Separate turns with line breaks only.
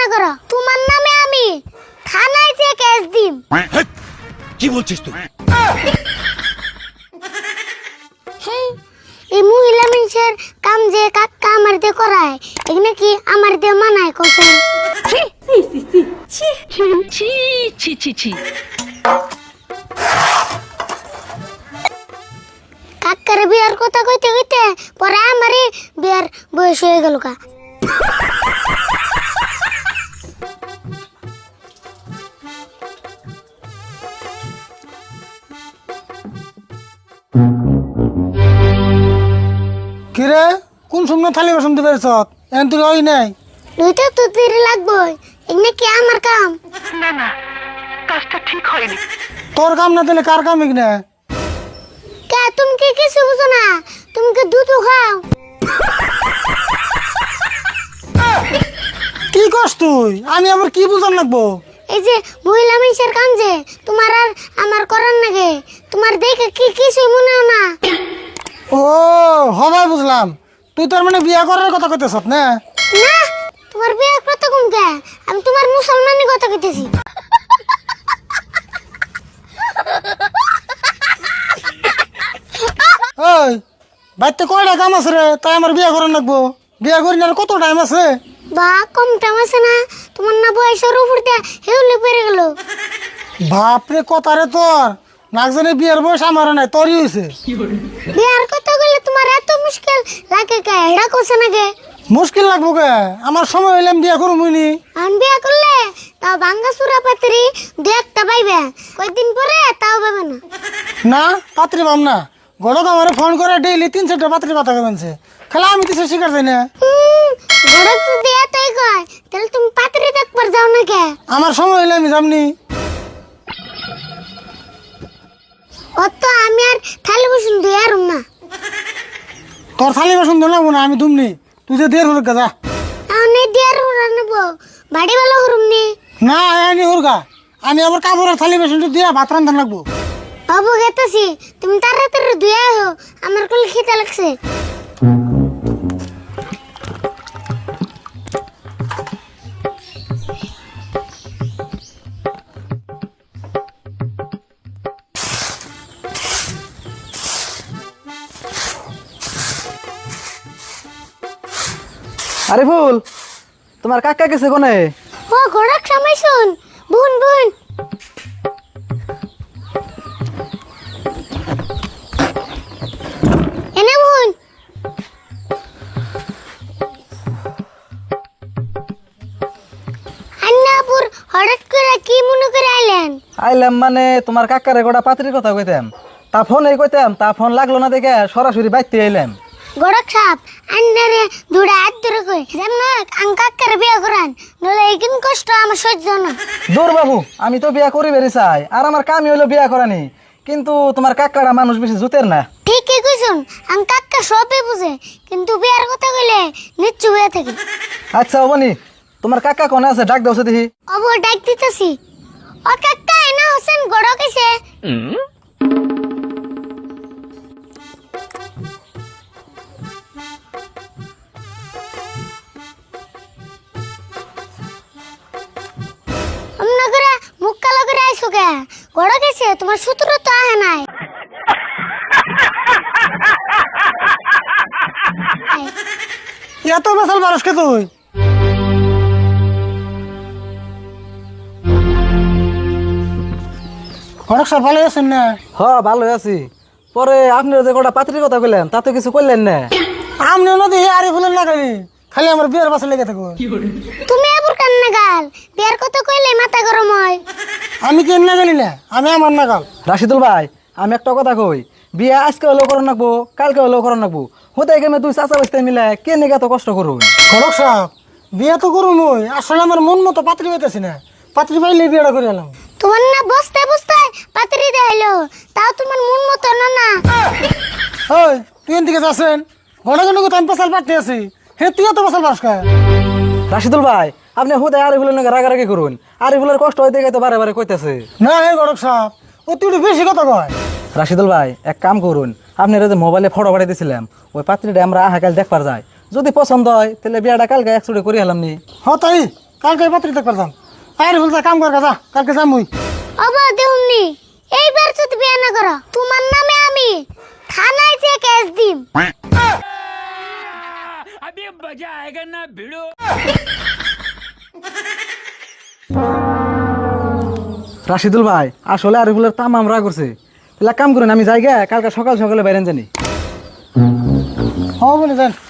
করো, তোমার নামে আমি থানায় যে কেস দিম।
কি বলছিস তুই?
এই মহিলা মানুষের কাম যে কাকা আমার দিয়ে করায়, এখানে কি আমার দিয়ে মানায় কোসেন? কাকার বিয়ার কথা কইতে কইতে পরে আমারই বিয়ার বয়স হয়ে গেল কা।
কিরে কোন সময় থালি বাসন দিবে সব এন তুই ওই নাই
দুইটা তো দেরি লাগবে, এখানে কি আমার কাম?
তোর কাম না দিলে কার কাম এখানে?
কে তুমি কি কিছু বুঝো না? তুমি কি দুধ খাও?
কি করছ তুই? আমি আবার কি বুঝান লাগবো?
এই যে মহিলা মানুষের কাম যে তোমার আর আমার করার নাগে, তোমার দেখে কি কিছু মনে হয় না?
ও হবাই বুঝলাম, তুই তার মানে বিয়া করার কথা কইতেছ না?
না, তোমার বিয়ে কত কম কে? আমি তোমার মুসলমানি কথা কইতেছি।
ওই বাড়িতে কয়টা কাম আছে রে, তাই আমার বিয়া করার লাগবো? বিয়া করি না আর কত টাইম আছে?
বা কম টাইম আছে না? তোমার না বয়সের উপর দিয়ে হেউলে পড়ে গেল।
বাপরে কথা রে তোর, নাক জানে বিয়ার বয়স আমারও নাই, তোরই হয়েছে।
বিয়ার কথা বলে তোমার এত মুশকিল লাগে কে? এটা কোসে নাকি?
মুশকিল লাগবো কে? আমার সময় হইলে আমি বিয়া করবনি।
আমি বিয়া করলে তাও ভাঙ্গা চূড়া পাত্রী দু একটা পাইবে, কয়েকদিন পরে তাও পাবে না।
না পাত্রী পাম না, গড়ক আমার ফোন করে ডেইলি 3-4টা পাত্রী কথা কেমনছে, খেলা আমি তো শিকার যাই না।
গড়ক যদি এতই কয় তাহলে তুমি পাত্রী দেখবার যাও না কে?
আমার সময় হইলে আমি যামনি।
অত আমি আর থালি বসুন দুই আর না।
তোর থালি বাসন ধরে নেবো না, আমি দুমনি, তুই যে দের হুরগা যা।
আমি দিয়ার হুরা নেব, বাড়ি বেলা হুরুম নি।
না এনি হুরগা, আমি আবার কাপড়ের থালি বাসন দিয়া ভাত রান্ধা লাগবো।
বাবু গেতেছি, তুমি তাড়াতাড়ি ধুয়ে আহো, আমার কোল খিদে লাগছে।
আরে ফুল, তোমার কাকা গেছে কোনে?
ও ঘোড়াক সময় শুন, বুন বুন। এনে বুন। আন্নাপুর হঠাৎ করে কি মনে করে আইলেন?
আইলাম মানে তোমার কাকারে গোটা পাত্রির কথা কইতাম, তা ফোনে কইতাম, তা ফোন লাগলো না দেখে সরাসরি বাইতে আইলাম।
ঘোড়াক সাপ আন্নারে দুড়া হাত ধরে কই যেমন কাকার বিয়ে করান, নলে এইকিন কষ্ট আমার সহ্য না।
দূর বাবু, আমি তো বিয়া করি বেরি চাই, আর আমার কামই হইলো বিয়া করানি, কিন্তু তোমার কাকাটা মানুষ বেশি জুতের না।
ঠিকই কইছুন, কাকা সবই বুঝে, কিন্তু বিয়ার কথা কইলে নিচ্ছু হয়ে থাকে।
আচ্ছা অবনি, তোমার কাকা কোনে আছে? ডাক দাও দেখি।
অব ডাক দিতেছি। ও কাকা এনা হোসেন গড় কেছে। অমনা করে মুখ কালো করে আইসো কে? গড় কেছে তোমার সূত্র তো আহে নাই।
এত বেসাল মানুষকে তুই? ঘটক সাহেব ভালো আছেন না?
হ ভালো আছি। পরে আপনার যে গোটা পাত্রির কথা কইলেন তাতে কিছু কইলেন না।
আমনি নদী আরে ফুলেন না খালি, খালি আমার বিয়ের পাশে লেগে থাকো।
তুমি আবার কান্না গাল, বিয়ার কথা কইলে মাথা গরম হয়।
আমি কেন না গেলি না, আমি আমার না গাল।
রাশিদুল ভাই, আমি একটা কথা কই, বিয়া আজকে হলেও করন রাখবো, কালকে হলেও করন রাখবো, হতে গেমে তুই চাচা বাস্তে মিলে কে নিয়ে এত কষ্ট করুন?
ঘটক সাহেব বিয়ে তো করুন ওই, আসলে আমার মন মতো পাত্রী পাইতেছি না, পাত্রী পাইলে বিয়েটা করে এলাম।
তোমার না বসতে বসতে পাত্রী দেখাইলো, তাও তোমার মন মতো না না।
ওই তুই এদিকে যাচ্ছেন, ঘটক তো আমি পেশাল পাঠতে আছি, হে তুইও তো পেশাল পাস খায়।
রাশিদুল ভাই, আপনি হুদে আরিফুলের নাকি রাগারাগি করুন, আরিফুলের কষ্ট হইতে গেছে বারে বারে কইতেছে।
না হে ঘটক সাহেব, ও তুই একটু বেশি কথা কয়।
রাশিদুল ভাই এক কাম করুন, আপনি যে মোবাইলে ফটো পাঠিয়ে দিয়েছিলাম, ওই পাত্রীটা আমরা আহা কাল দেখবার যাই, যদি পছন্দ হয় তাহলে বিয়াটা কালকে একচুটি করে হলাম নি।
হ তাই কালকে পাত্রী দেখবার যাম। আরে বলছে কাম কর যা, কালকে যাম মুই।
অবা দেউনি এইবার যদি বিয়ে না করো তোমার নামে আমি থানায় যে কেস দিম।
রাশিদুল ভাই আসলে আরিফুলের তামাম রাগ করছে। তাহলে এক কাম করেন, আমি যাই গে, কালকে সকাল সকালে বাইরেন জানি।
হ্যাঁ বলে যান।